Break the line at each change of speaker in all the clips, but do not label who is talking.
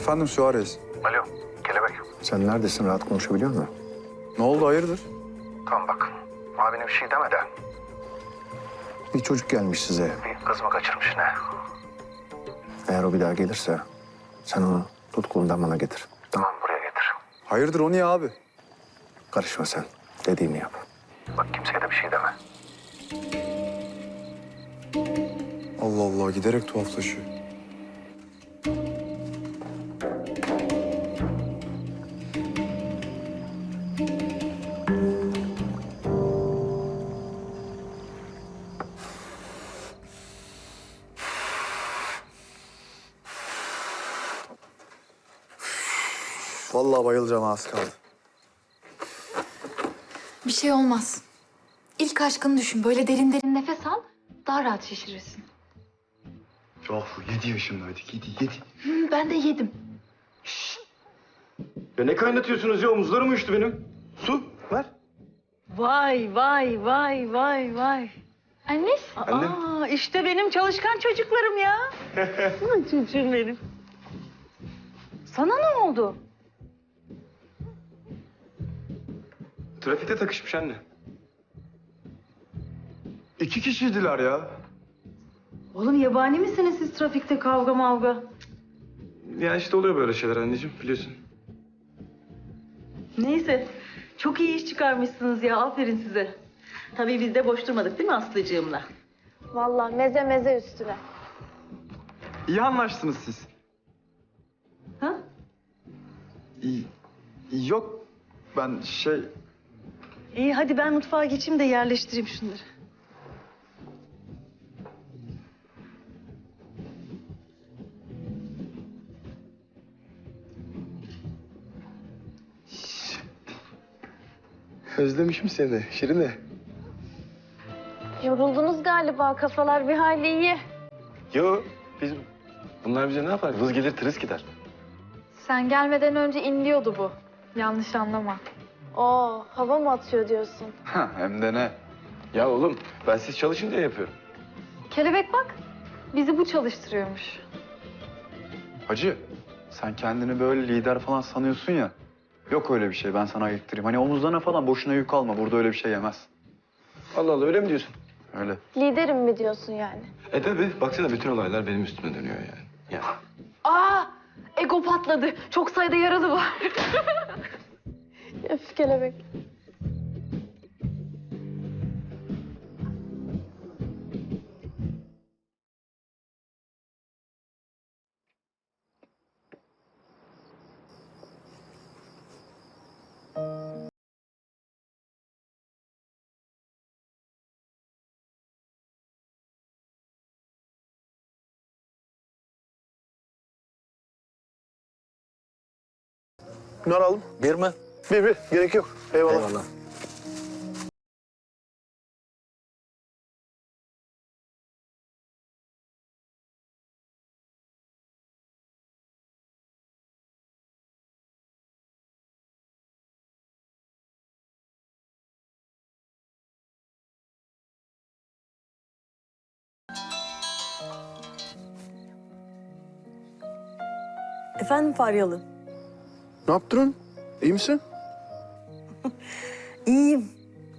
Efendim Suarez.
Alo, Kelebek.
Sen neredesin? Rahat konuşabiliyor musun?
Ne oldu hayırdır?
Tamam bak, abine bir şey deme de.
Bir çocuk gelmiş size.
Bir kız mı kaçırmış ne?
Eğer o bir daha gelirse sen onu tut kolundan bana getir.
Tamam, buraya getir.
Hayırdır o niye abi?
Karışma sen. Dediğimi yap.
Bak kimseye de bir şey deme.
Allah Allah giderek tuhaflaşıyor. Vallahi bayılacağım az kaldı.
Bir şey olmaz. İlk aşkını düşün. Böyle derin derin nefes al. Daha rahat şişirirsin.
Yahu 7 yaşındaydık. 7.
Ben de yedim.
Ya ne kaynatıyorsunuz ya? Omuzlarım uyuştu benim. Su ver.
Vay vay vay vay vay.
Anne.
Aa, işte benim çalışkan çocuklarım ya. Aman çocuğum benim. Sana ne oldu?
Trafikte takışmış anne.
2 kişiydiler ya.
Oğlum yabani misiniz siz trafikte kavga mavga?
Ya işte oluyor böyle şeyler anneciğim biliyorsun.
Neyse. Çok iyi iş çıkarmışsınız ya. Aferin size. Tabii biz de boş durmadık değil mi Aslıcığımla?
Vallahi meze meze üstüne.
İyi anlaştınız siz.
Ha?
Yok ben
İyi hadi ben mutfağa geçeyim de yerleştireyim şunları.
Özlemişim seni Şirine.
Yoruldunuz galiba, kafalar bir hayli iyi.
Yo bunlar bize ne yapar? Vız gelir tırıs gider.
Sen gelmeden önce inliyordu bu. Yanlış anlama.
Oo, hava mı atıyor diyorsun?
hem de ne?
Ya oğlum ben siz çalışın diye yapıyorum.
Kelebek bak. Bizi bu çalıştırıyormuş.
Hacı sen kendini böyle lider falan sanıyorsun ya. Yok öyle bir şey ben sana ayıktırayım. Hani omuzlarına falan boşuna yük alma. Burada öyle bir şey yemez.
Allah Allah öyle mi diyorsun?
Öyle.
Liderim mi diyorsun yani?
Tabii baksana bütün olaylar benim üstüme dönüyor yani. Ya.
Aa! Ego patladı. Çok sayıda yaralı var.
Öf kelebek.
Bunları alalım.
Bir mi?
Bir. Gerek yok. Eyvallah.
Efendim Faryalı?
Ne yaptın? İyi misin?
İyiyim.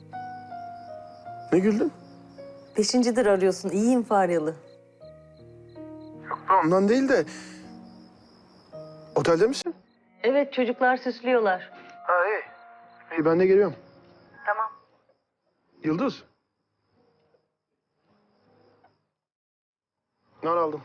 Ne güldün?
Beşincidir arıyorsun. İyiyim Faryalı.
Ondan değil de... Otelde misin?
Evet çocuklar süslüyorlar.
Ha iyi. İyi ben de geliyorum.
Tamam.
Yıldız. Nar aldım.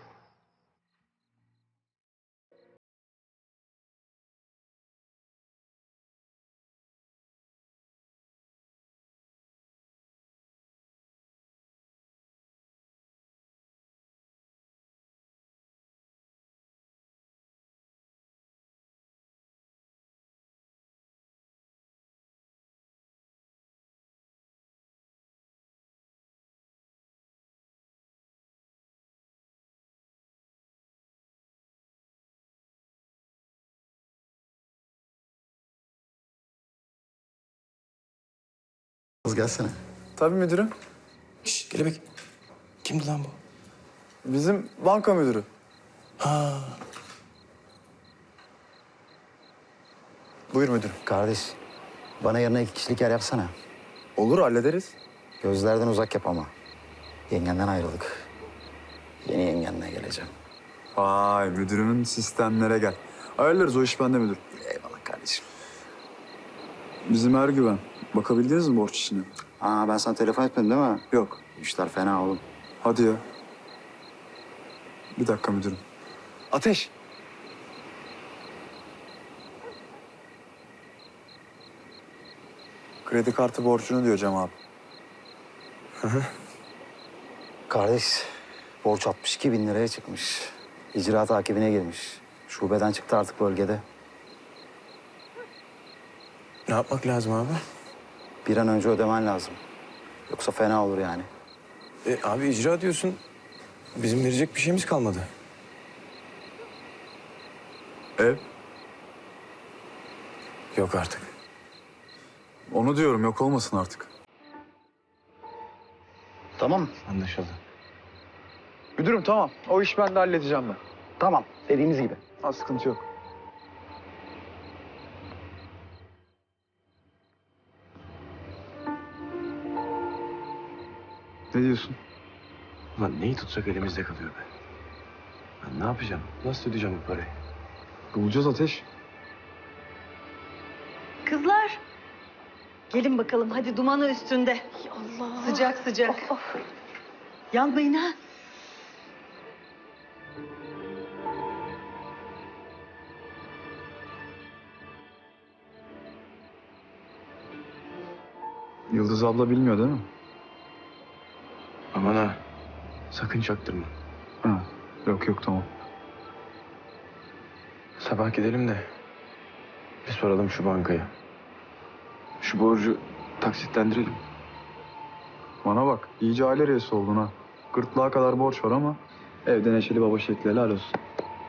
Gelsene.
Tabii müdürüm.
Şşş Kelebek. Kimdi lan bu?
Bizim banka müdürü. Buyur müdürüm.
Kardeş, bana yarına 2 kişilik yer yapsana.
Olur, hallederiz.
Gözlerden uzak yap ama. Yengenden ayrıldık. Yeni yengenle geleceğim.
Vay, müdürümün sistemlere gel. Ayarlarız, o iş bende müdür.
Eyvallah kardeşim.
Bizim Ergüven. Bakabildiniz mi borç işine?
Aa, ben sana telefon etmedim değil mi?
Yok.
İşler fena oğlum.
Hadi ya. Bir dakika müdürüm. Ateş. Kredi kartı borcunu diyor Cem abi.
Kardeş, borç 62 bin liraya çıkmış. İcra takibine girmiş. Şubeden çıktı artık bölgede.
Ne yapmak lazım abi?
Bir an önce ödemen lazım. Yoksa fena olur yani.
Abi icra diyorsun. Bizim verecek bir şeyimiz kalmadı.
Ev?
Yok artık.
Onu diyorum, yok olmasın artık.
Tamam.
Anlaşıldı.
Müdürüm tamam. O iş bende, halledeceğim ben.
Tamam, dediğimiz gibi.
Ha, sıkıntı yok. Ne diyorsun?
Ulan neyi tutsak elimizde kalıyor be. Ben ne yapacağım? Nasıl ödeyeceğim bu parayı?
Bulacağız Ateş.
Kızlar. Gelin bakalım hadi dumanı üstünde.
Allah.
Sıcak sıcak.
Of.
Yanmayın ha.
Yıldız abla bilmiyor değil mi?
Aman ha. Sakın çaktırma.
Ha. Yok yok, tamam.
Sabah gidelim de bir soralım şu bankaya. Şu borcu taksitlendirelim.
Bana bak, iyice aile reisi oldun ha. Gırtlağa kadar borç var ama evde neşeli baba şekli, helal olsun.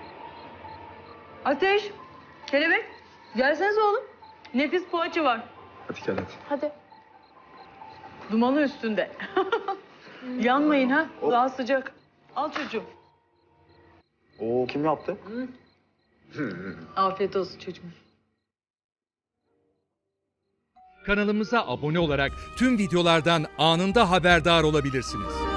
Ateş. Kelebek. Gelsenize oğlum. Nefis poğaça var.
Hadi gel hadi.
Hadi.
Dumanı üstünde. Yanmayın ha. Daha sıcak. Al çocuğum.
Oo, kim yaptı?
Afiyet olsun çocuğum.
Kanalımıza abone olarak tüm videolardan anında haberdar olabilirsiniz.